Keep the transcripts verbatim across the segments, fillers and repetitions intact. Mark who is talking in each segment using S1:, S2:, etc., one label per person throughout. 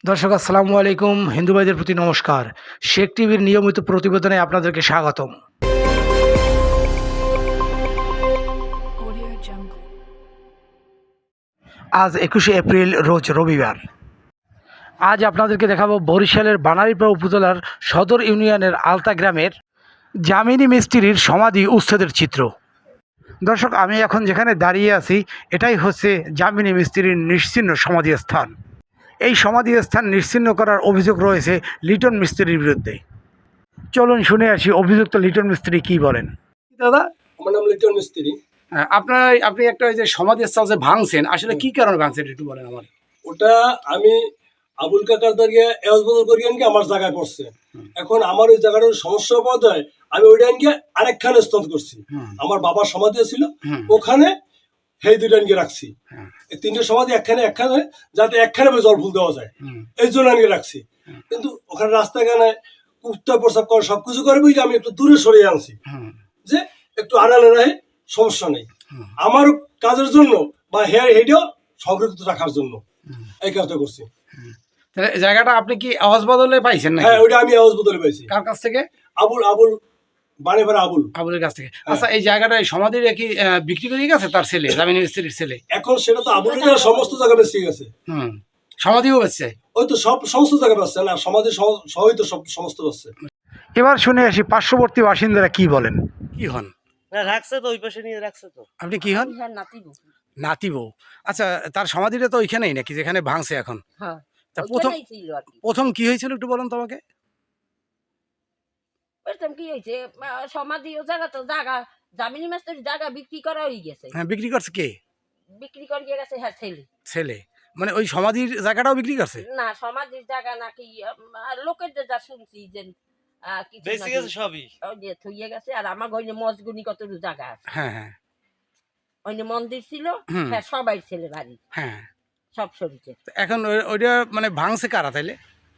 S1: দর্শক আসসালামু আলাইকুম, হিন্দু ভাইদের প্রতি নমস্কার। শেখ টিভির নিয়মিত প্রতিবেদনে আপনাদেরকে স্বাগতম। আজ একুশে এপ্রিল, রোজ রবিবার। আজ আপনাদেরকে দেখাবো বরিশালের বানারীপাড়া উপজেলার সদর ইউনিয়নের আলতা গ্রামের জামিনী মিস্ত্রির সমাধি উচ্ছেদের চিত্র। দর্শক, আমি এখন যেখানে দাঁড়িয়ে আছি এটাই হচ্ছে জামিনী মিস্ত্রির নিশ্চিহ্ন সমাধি স্থান। এই সমাধি স্থান নিশ্চিহ্ন করার অভিযোগ রয়েছে লিটন মিস্ত্রির বিরুদ্ধে। চলুন শুনে আসি অভিযুক্ত লিটন মিস্ত্রি কি বলেন। দাদা,
S2: আমার নাম লিটন মিস্ত্রি।
S1: আপনার আপনি একটা ওই যে সমাধি স্থল যে ভাঙছেন, আসলে কি কারণে ভাঙছেন একটু বলেন আমার।
S2: ওটা আমি আবুল কাকার দাঁড়িয়ে এওয়াজ বদল করি আনকে আমার জায়গায় পড়ছে। এখন আমার ওই জায়গাটার সমস্যা পদ হয়, আমি ওইটা আনকে আরেকখানে স্থল করছি। আমার বাবার সমাধি ছিল ওখানে, সেই দুইটা আনকে রাখছি। এই তিনটে সমাধি একখানে একখানে যাতে একখানে জল ফুল দেওয়া যায়, এই জন্য আনকে রাখছি। কিন্তু ওখানে রাস্তাখানে কুত্তা প্রসাব করে সবকিছু করে বুঝে আমি একটু দূরে সরিয়ে আনছি, যে একটু আড়ালে রাখে সমস্যা নেই আমার কাজের জন্য বা হেয়ার হেডেও সংরক্ষিত রাখার জন্য এই কাজটা করছি।
S1: জায়গাটা আপনি কি আওয়াজ বদলে পাইছেন না?
S2: হ্যাঁ, ওইটা আমি আওয়াজ বদলে পাইছি।
S1: কার কাছ থেকে?
S2: আবুল আবুল বানেপাড়া আবুল
S1: আবুলের কাছ থেকে। আচ্ছা, এই জায়গাটা এই সমাধির কি বিক্রি করে গেছে তার ছেলে, জামিনী মিস্ত্রির ছেলে?
S2: এখন সেটা তো আবুলের সমস্ত জায়গা বেশি গেছে।
S1: হুম, সমাধিও বেচছে।
S2: ওই তো সব সমস্ত জায়গা পাচ্ছে না, সমাধি সবই তো সব সমস্ত পাচ্ছে।
S1: এবার শুনে আসি পার্শ্ববর্তী বাসিন্দারা কি বলেন। কি হন?
S3: রাখছে তো ওই পাশে নিয়ে রাখছে তো।
S1: আপনি কি হন? নাতি বউ। আচ্ছা, তার সমাধিটা তো ওইখানেই নাকি যেখানে ভাঙছে এখন?
S4: হ্যাঁ,
S1: তা প্রথম প্রথম কি হয়েছিল একটু বলেন তো আমাকে।
S4: প্রথম কি হয়েছে, সমাধি ও জায়গা তো জায়গা জামিনী মাস্টার জায়গা বিক্রি করা হয়ে গেছে।
S1: হ্যাঁ, বিক্রি করছে কে?
S4: বিক্রি করে দিয়ে গেছে হ্যাঁ ছেলে।
S1: ছেলে মানে ওই সমাধির জায়গাটাও বিক্রি করছে?
S4: না, সমাধির জায়গা নাকি লোকের যা শুনছি যে
S3: বেশি গেছে সবই
S4: ওই যে থইয়ে গেছে। আর আমার ঘরে মজগুনি কত জায়গা আছে।
S1: হ্যাঁ হ্যাঁ,
S4: ওই যে মন্দির ছিল, হ্যাঁ সবাই ছেলে বাড়ি,
S1: হ্যাঁ
S4: সব শরীরে।
S1: এখন ওইটা মানে ভাঙছে কারা তাইলে?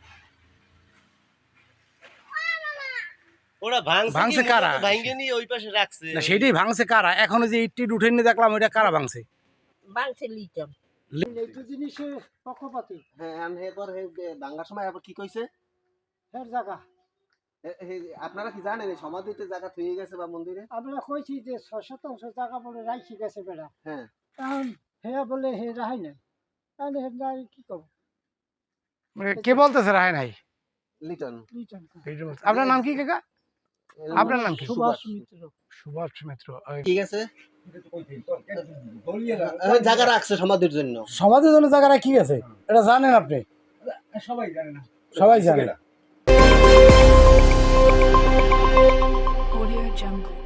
S3: ওরা ভাঙছে কারা? ভাঙে নিয়ে ওই পাশে রাখছে।
S1: না, সেটাই ভাঙছে কারা? এখন যে ইট টিট উঠে নিয়ে দেখলাম, ওইটা কারা ভাঙছে?
S4: ভাঙছে লিটন।
S5: এই জিনিসের পক্ষপাতী।
S6: হ্যাঁ, আমি এরপর ভাঙার সময় আবার কি কইছে
S5: এর জায়গা
S6: আপনারা কি জানেন এই সমাধিতে জায়গা থুয়ে গেছে বা মন্দিরে?
S5: আমরা কইছি যে ছয় শতাংশ জায়গা বলে রাখি গেছে বেড়া।
S6: হ্যাঁ,
S5: কারণ হেয়া বলে হে রাহাই নাই, তাহলে হে নাই কি করব?
S1: কে বলতেছে রায় নাই?
S6: লিটন।
S5: লিটন।
S1: আপনার নাম কি কাকা? আপনার নাম কি?
S5: সুভাষ মিত্র।
S1: সুভাষ মিত্র।
S6: ঠিক আছে, জায়গা রাখছে সমাধির জন্য।
S1: সমাধির জন্য জায়গা রাখি গেছে, এটা জানেন আপনি?
S2: সবাই জানে না,
S1: সবাই জানে।
S7: Audio Jungle.